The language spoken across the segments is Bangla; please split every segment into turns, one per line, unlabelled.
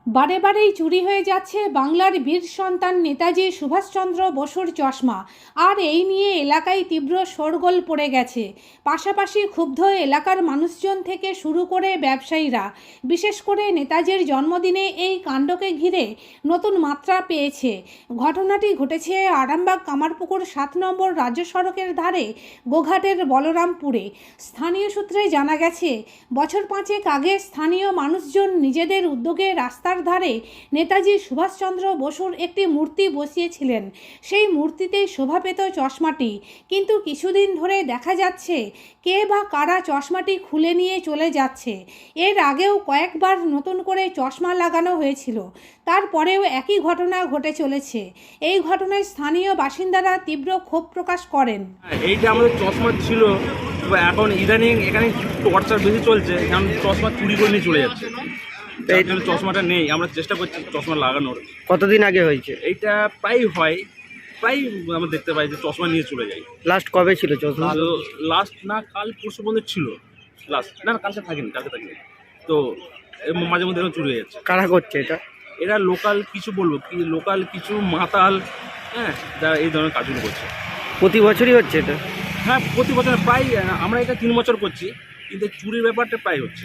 বারে বারেই চুরি হয়ে যাচ্ছে বাংলার বীর সন্তান নেতাজি সুভাষচন্দ্র বসুর চশমা। আর এই নিয়ে এলাকায় তীব্র শোরগোল পড়ে গেছে। পাশাপাশি ক্ষুব্ধ এলাকার মানুষজন থেকে শুরু করে ব্যবসায়ীরা। বিশেষ করে নেতাজির জন্মদিনে এই কাণ্ডকে ঘিরে নতুন মাত্রা পেয়েছে। ঘটনাটি ঘটেছে আরামবাগ কামারপুকুর 7 নম্বর রাজ্য সড়কের ধারে গোঘাটের বলরামপুরে। স্থানীয় সূত্রে জানা গেছে, বছর 5 আগে স্থানীয় মানুষজন নিজেদের উদ্যোগে রাস্তার ধারে নেতাজি সুভাষচন্দ্র বসুর একটি মূর্তি বসিয়েছিলেন। সেই মূর্তিতেই শোভা পেত চশমাটি, কিন্তু কিছুদিন ধরে দেখা যাচ্ছে কে বা কারা চশমাটি খুলে নিয়ে চলে যাচ্ছে। এর আগেও কয়েকবার নতুন করে চশমা লাগানো হয়েছিল, তারপরেও একই ঘটনা ঘটে চলেছে। এই ঘটনায় স্থানীয় বাসিন্দারা তীব্র ক্ষোভ প্রকাশ করেন।
এইটা আমাদের চশমা ছিল, এখন ইদানিং এখানে টর্চার বেশি চলছে, কারণ চশমা চুরি করে নিয়ে চলে যাচ্ছে। এই জন্য চশমাটা নেই, আমরা চেষ্টা করছি চশমা লাগানোর।
কতদিন আগে হয়েছে
এইটা প্রায় আমরা দেখতে পাই যে চশমা নিয়ে চলে যায়।
লাস্ট কবে ছিল চশমা?
লাস্ট না কাল পরশু পর্যন্ত ছিল, লাস্ট না কালকে থাকিনি। তো মাঝে মধ্যে এরকম চুরি হয়ে যাচ্ছে।
কারা করছে এটা?
এরা লোকাল কিছু বলবো কি, লোকাল কিছু মাতাল, হ্যাঁ, যারা এই ধরনের কাজগুলো করছে।
প্রতি বছরই হচ্ছে এটা?
হ্যাঁ, প্রতি বছর প্রায়। আমরা এটা 3 বছর করছি, কিন্তু চুরির ব্যাপারটা প্রায় হচ্ছে।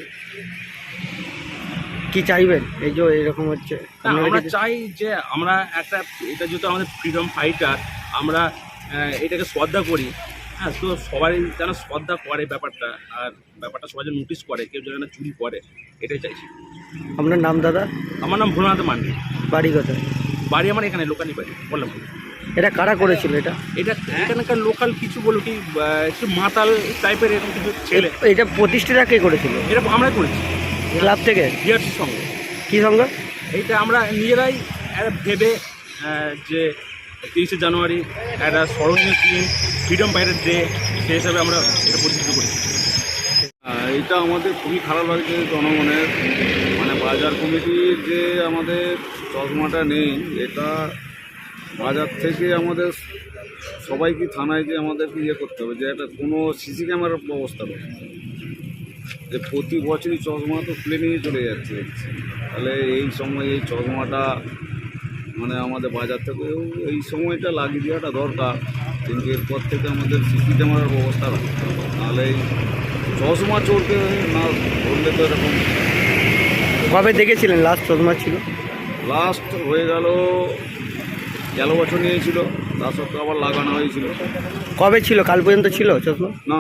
কি চাইবেন এই যে এরকম হচ্ছে?
আমরা চাই যে আমরা একটা, এটা যেহেতু আমাদের ফ্রিডম ফাইটার, আমরা এটাকে শ্রদ্ধা করি। হ্যাঁ, তো সবাই যেন শ্রদ্ধা করে ব্যাপারটা, আর ব্যাপারটা সবাই যেন নোটিস করে, কেউ যেন চুরি করে, এটাই চাইছি।
আপনার নাম দাদা?
আমার নাম ভোলানাথ মান্ডি।
বাড়ি কোথায়?
বাড়ি আমার এখানে লোকালই বাড়ি, বললাম।
এটা কারা করেছিল এটা?
এখানকার লোকাল কিছু বলো কি, একটু মাতাল টাইপের এরকম কিছু ছেলে।
এটা প্রতিষ্ঠাটা কে করেছিল?
এটা আমরা করেছি
ক্লাব থেকে?
বিআরসির সঙ্গে।
কি সঙ্গে?
এইটা আমরা নিজেরাই ভেবে যে 23শে জানুয়ারি একটা স্মরণীয় দিন, ফ্রিডম ফাইটার ডে, সেই হিসাবে আমরা এটা পরিচিত করেছি।
এটা আমাদের খুবই খারাপ লাগছে জনগণের, মানে বাজার কমিটির যে আমাদের চশমাটা নেই, এটা বাজার থেকে আমাদের সবাইকে থানায় যে আমাদেরকে করতে হবে, যে একটা কোনো সিসি ক্যামেরার ব্যবস্থা নেই। যে প্রতি বছরই চশমা তো খুলে নিয়ে চলে যাচ্ছে, তাহলে এই সময় এই চশমাটা মানে আমাদের বাজার থেকেও এই সময়টা লাগিয়ে দেওয়াটা দরকার, কিন্তু এরপর থেকে আমাদের সিসি ক্যামেরার ব্যবস্থা রাখতে হবে, নাহলে এই চশমা চোরকে না ধরলে তো এরকম।
কবে দেখেছিলেন লাস্ট চশমা ছিল?
লাস্ট হয়ে গেল বছর নিয়েছিল, তার সত্ত্বেও আবার লাগানো হয়েছিল।
কবে ছিল? কাল পর্যন্ত ছিল চশমা?
না,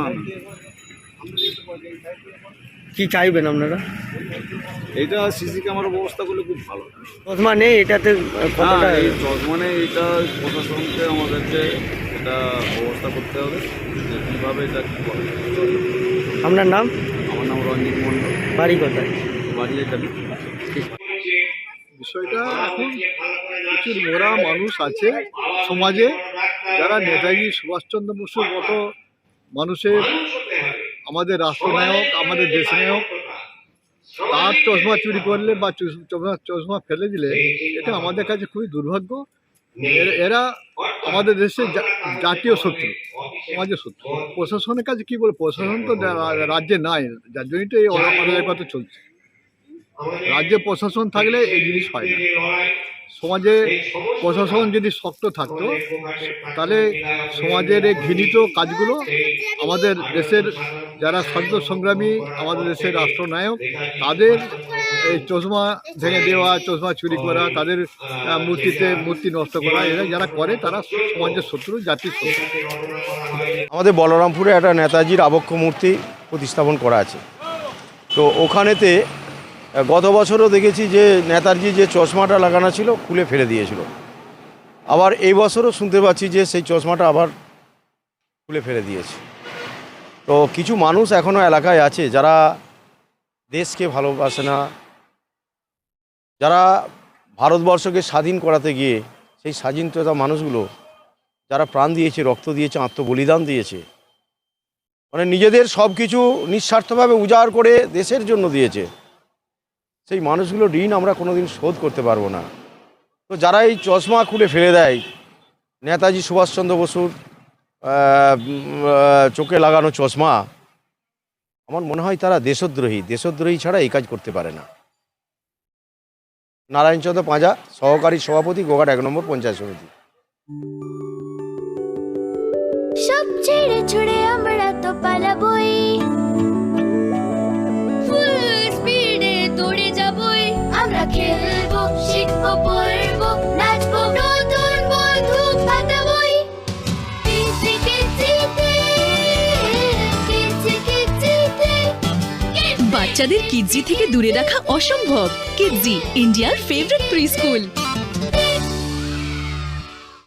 কি চাইবেন আপনারা?
এইটা সিসি ক্যামেরার ব্যবস্থা করলে খুব ভালো।
চশমা নেই এটাতে কতটা?
এই চশমা নেই, এটা প্রশাসনকে আমাদেরকে এটা ব্যবস্থা করতে হবে, যে কীভাবে এটা কী করে।
আপনার নাম?
আমার নাম রঞ্জিত মণ্ডল।
বাড়ি কোথায়?
বাড়ি এখানে।
বিষয়টা এখন প্রচুর মোরা মানুষ আছে সমাজে, যারা নেতাজি সুভাষচন্দ্র বসুর মতো মানুষের, আমাদের রাষ্ট্রনায়ক, আমাদের দেশনায়ক, তার চশমা চুরি করলে বা চশমা ফেলে দিলে এটা আমাদের কাছে খুবই দুর্ভাগ্য। এরা আমাদের দেশের জাতীয় শত্রু, সমাজের শত্রু। প্রশাসনের কাছে কি বলে, প্রশাসন তো রাজ্যে নাই, যার জন্যই তো এই অরাজকতা চলছে। রাজ্যে প্রশাসন থাকলে এই জিনিস হয় না। সমাজে প্রশাসন যদি শক্ত থাকতো, তাহলে সমাজের এই ঘৃণিত কাজগুলো আমাদের দেশের যারা স্বাধীনতা সংগ্রামী, আমাদের দেশের রাষ্ট্রনায়ক, তাদের এই চশমা ভেঙে দেওয়া, চশমা চুরি করা, তাদের মূর্তি নষ্ট করা, এরা যারা করে তারা সমাজের শত্রু, জাতির শত্রু।
আমাদের বলরামপুরে একটা নেতাজির আবক্ষ মূর্তি প্রতিস্থাপন করা আছে, তো ওখানেতে গত বছরও দেখেছি যে নেতাজি যে চশমাটা লাগানো ছিল খুলে ফেলে দিয়েছিল। আবার এই বছরও শুনতে পাচ্ছি যে সেই চশমাটা আবার খুলে ফেলে দিয়েছে। তো কিছু মানুষ এখনও এলাকায় আছে যারা দেশকে ভালোবাসে না, যারা ভারতবর্ষকে স্বাধীন করাতে গিয়ে সেই স্বাধীনতা মানুষগুলো যারা প্রাণ দিয়েছে, রক্ত দিয়েছে, আত্মবলিদান দিয়েছে, মানে নিজেদের সব কিছু নিঃস্বার্থভাবে উজাড় করে দেশের জন্য দিয়েছে, সেই মানুষগুলো ঋণ আমরা কোনোদিন শোধ করতে পারবো না। তো যারা এই চশমা খুলে ফেলে দেয়, নেতাজি সুভাষচন্দ্র বসুর চোখে লাগানো চশমা, আমার মনে হয় তারা দেশদ্রোহী ছাড়া এই কাজ করতে পারে না। নারায়ণচন্দ্র পাঁজা, সহকারী সভাপতি, গোঘাট 1 নম্বর পঞ্চায়েত সমিতি।
সব ছেড়ে ছুড়ে আমরা তো পালাবই, ফুল স্পিডে দৌড়ে যাবই, আমরা খেলবো, শিখবো, পড়বো, নাচবো, নতুন বন্ধু পাতাবই। কিচি কিচিতে, কিচি কিচিতে।
বাচ্চাদের কিডজি থেকে দূরে রাখা অসম্ভব। কিডজি, ইন্ডিয়ার ফেভারিট প্রি স্কুল।